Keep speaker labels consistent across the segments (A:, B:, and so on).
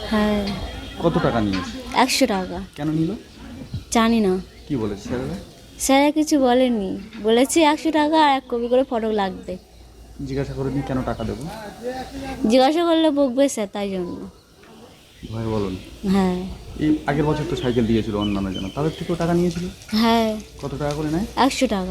A: হ্যাঁ।
B: কত টাকা নিয়েছে?
A: 100 টাকা।
B: কেন নিল?
A: জানি না,
B: কি বলেছে স্যারেরা?
A: স্যারা কিছু বলেনি, বলেছে 100 টাকা আর 1 কপি করে ফটো লাগবে।
B: জিজ্ঞাসা করে নি কেন টাকা দেবো?
A: জিজ্ঞাসা করলে বকবে স্যার, তাই জন্য।
B: ভয় বলুন।
A: হ্যাঁ।
B: এই আগের বছর তো সাইকেল দিয়েছিল অন্যান্য জন, তাদের থেকেও টাকা নিয়েছিল।
A: হ্যাঁ।
B: কত টাকা করে নেয়?
A: 100 টাকা।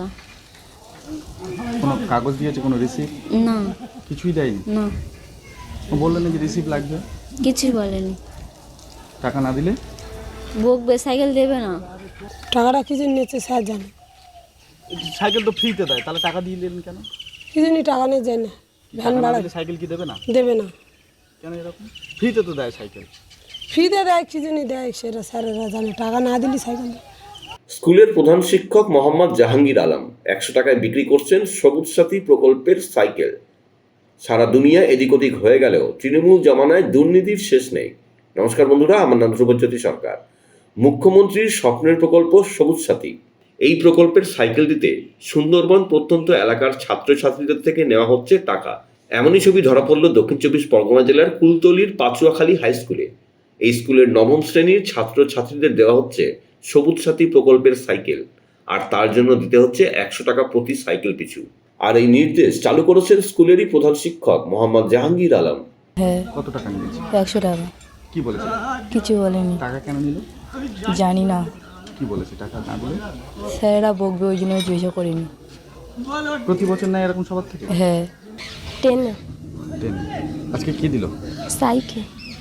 B: কোনো কাগজ দিয়েছে, কোনো রিসিপ্ট?
A: না।
B: কিছুই দেয়নি?
A: না,
B: ও বললেন যে রিসিপ্ট লাগবে।
A: কিছুই বলেনি।
B: টাকা না দিলে
A: বকবে, সাইকেল দেবে না।
C: টাকাটা কি জন্য নিচ্ছে স্যার জানে।
B: সাইকেল তো ফ্রিতে দেয়, তাহলে টাকা দিয়ে দিলেন কেন?
C: কি জন্য টাকা নিয়ে যায় না, ভ্যান
B: টাকা না
C: ভাড়া
B: দিলে সাইকেল কি দেবে না?
C: দেবে না।
B: কেন এরকম? ফ্রিতে তো দেয় সাইকেল।
C: ফ্রিতে দেয়, কি জন্য দেয় সেটা স্যারেরা জানে। টাকা না দিলে সাইকেল দেয়।
D: স্কুলের প্রধান শিক্ষক মোহাম্মদ জাহাঙ্গীর আলম 100 টাকায় বিক্রি করছেন সবুজ সাথী প্রকল্পের সাইকেল। সারা দুনিয়া এদিক ওদিক হয়ে গেলেও তৃণমূল জমানায় দুর্নীতির শেষ নেই। নমস্কার বন্ধুরা, আমার নাম ধ্রুবজ্যোতি সরকার। মুখ্যমন্ত্রীর স্বপ্নের প্রকল্প সবুজ সাথী, এই প্রকল্পের সাইকেল দিতে সুন্দরবন প্রত্যন্ত এলাকার ছাত্রছাত্রীদের থেকে নেওয়া হচ্ছে টাকা। এমনই ছবি ধরা পড়ল দক্ষিণ 24 পরগনা জেলার কুলতলির পাচুয়াখালী হাই স্কুলে। এই স্কুলের নবম শ্রেণীর ছাত্রছাত্রীদের দেওয়া হচ্ছে সবুজ সাথী প্রকল্পের সাইকেল, আর তার জন্য দিতে হচ্ছে 100 টাকা প্রতি সাইকেল পিছু। আর এই নির্দেশ চালু করেছেন স্কুলেরই প্রধান শিক্ষক মোহাম্মদ জাহাঙ্গীর আলম।
A: হ্যাঁ।
B: কত টাকা নিয়েছে?
A: 100 টাকা।
B: কি বলেছে?
A: কিছু বলেনি।
B: টাকা কেন নিল?
A: জানি না,
B: কি বলেছে টাকা না দিলে?
A: স্যারেরা বকবে, ওই জন্য জিজ্ঞাসা করিনি।
B: প্রতি বছর নেয় এরকম সবার থেকে?
A: হ্যাঁ। 10
B: দেন। আজকে কি দিল?
A: সাইকেল।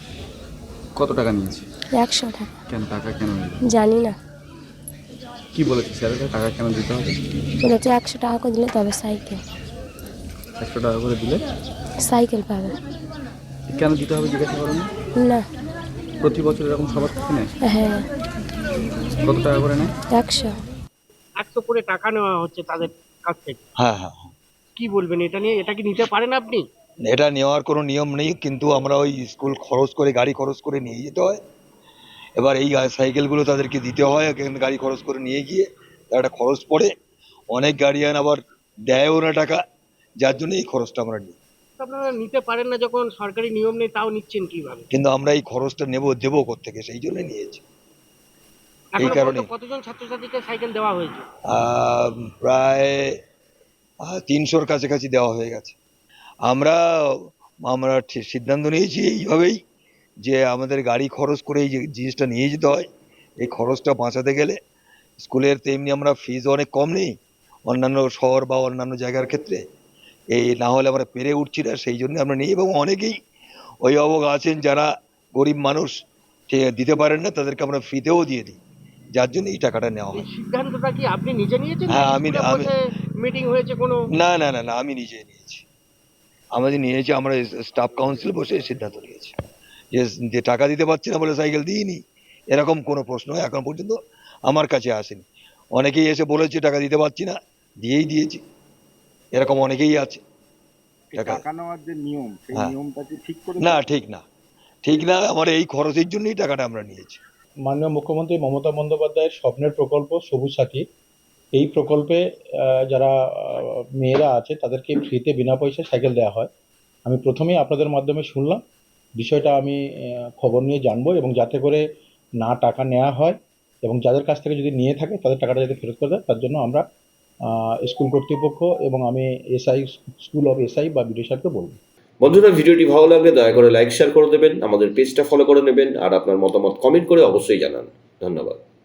B: কত টাকা নিয়েছে?
A: 100 টাকা।
B: কেন টাকা কেন নিল?
A: জানি না,
B: কি বলেছে স্যারেরা টাকা কেন দিতে হবে?
A: বলেছে 100 টাকা করে দিলে তবে সাইকেল
B: 100 টাকা করে দিলে
A: সাইকেল পাবে।
B: কেন দিতে হবে জিজ্ঞাসা করেন না?
A: না।
B: প্রতি বছর এরকম সবার থেকে নেয়?
A: হ্যাঁ।
B: কত টাকা করে নেয়?
A: 100।
E: 100 করে টাকা নেওয়া হচ্ছে তাদের কাছ থেকে।
F: হ্যাঁ,
E: কি বলবেন এটা নিয়ে? এটা কি নিতে পারেন আপনি?
F: এটা নেওয়ার কোনো নিয়ম নেই, কিন্তু আমরা ওই স্কুল খরচ করে, গাড়ি খরচ করে নিয়ে যেতে হয়। এবার এই সাইকেলগুলো তাদেরকে দিতে হয়, গাড়ি খরচ করে নিয়ে গিয়ে তার একটা খরচ পড়ে। অনেক গার্ডিয়ান আবার দেয়ও না টাকা, যার জন্য এই খরচটা আমরা নিই।
E: আপনারা নিতে পারেন না যখন সরকারি নিয়ম নেই, তাও নিচ্ছেন কিভাবে?
F: কিন্তু আমরা এই খরচটা দেবো কোত্থেকে, সেই জন্য নিয়েছি। এই
E: এখনো
F: কারণে
E: কতজন ছাত্রছাত্রীকে সাইকেল দেওয়া হয়েছে?
F: প্রায় 300-র কাছাকাছি দেওয়া হয়ে গেছে। আমরা আমরা সিদ্ধান্ত নিয়েছি এইভাবেই, যে আমাদের গাড়ি খরচ করে এই যে জিনিসটা নিয়ে যেতে হয়, এই খরচটা বাঁচাতে গেলে স্কুলের তেমনি আমরা ফিজ অনেক কম নেই অন্যান্য শহর বা অন্যান্য জায়গার ক্ষেত্রে। এই না হলে আমরা পেরে উঠছি না, সেই জন্য আমরা নিই। এবং অনেকেই অভিভাবক আছেন যারা গরিব মানুষ, দিতে পারেন না, তাদেরকে আমরা ফ্রিতেও দিয়ে দিই, যার জন্য এই টাকাটা নেওয়া
E: এই
F: হয়।
E: সিদ্ধান্তটা কি আপনি নিজে নিয়েছেন?
F: হ্যাঁ,
E: মিটিং হয়েছে কোনো?
F: না, আমি নিজে নিয়েছি। আমরা স্টাফ কাউন্সিল বসে সিদ্ধান্ত নিয়েছি যে টাকা দিতে পারছি না বলে সাইকেল দিইনি, এরকম কোনো প্রশ্ন এখন পর্যন্ত আমার কাছে আসেনি। অনেকেই এসে বলেছে টাকা দিতে পারছি না, দিয়েই দিয়েছি, এরকম অনেকেই আছে।
G: টাকা নেওয়ার যে নিয়ম, সেই
F: হ্যাঁ।
G: নিয়মটা কি ঠিক করে?
F: না, ঠিক না, আমার এই খরচের জন্যই টাকাটা আমরা নিয়েছি।
H: মাননীয় মুখ্যমন্ত্রী মমতা বন্দ্যোপাধ্যায়ের স্বপ্নের প্রকল্প সবুজ সাথী, এই প্রকল্পে যারা মেয়েরা আছে তাদেরকে ফ্রিতে বিনা পয়সায় সাইকেল দেওয়া হয়। আমি প্রথমেই আপনাদের মাধ্যমে শুনলাম, বিষয়টা আমি খবর নিয়ে জানবো, এবং যাতে করে না টাকা নেওয়া হয়, এবং যাদের কাছ থেকে যদি নিয়ে থাকে তাদের টাকাটা যাতে ফেরত করে দেয়, তার জন্য আমরা স্কুল কর্তৃপক্ষ এবং আমি স্কুল অফ এসআই বা বিডিও সাহেবকে বলবো।
D: বন্ধুরা, ভিডিওটি ভালো লাগলে দয়া করে লাইক শেয়ার করে দেবেন, আমাদের পেজটা ফলো করে নেবেন, আর আপনার মতামত কমেন্ট করে অবশ্যই জানান। ধন্যবাদ।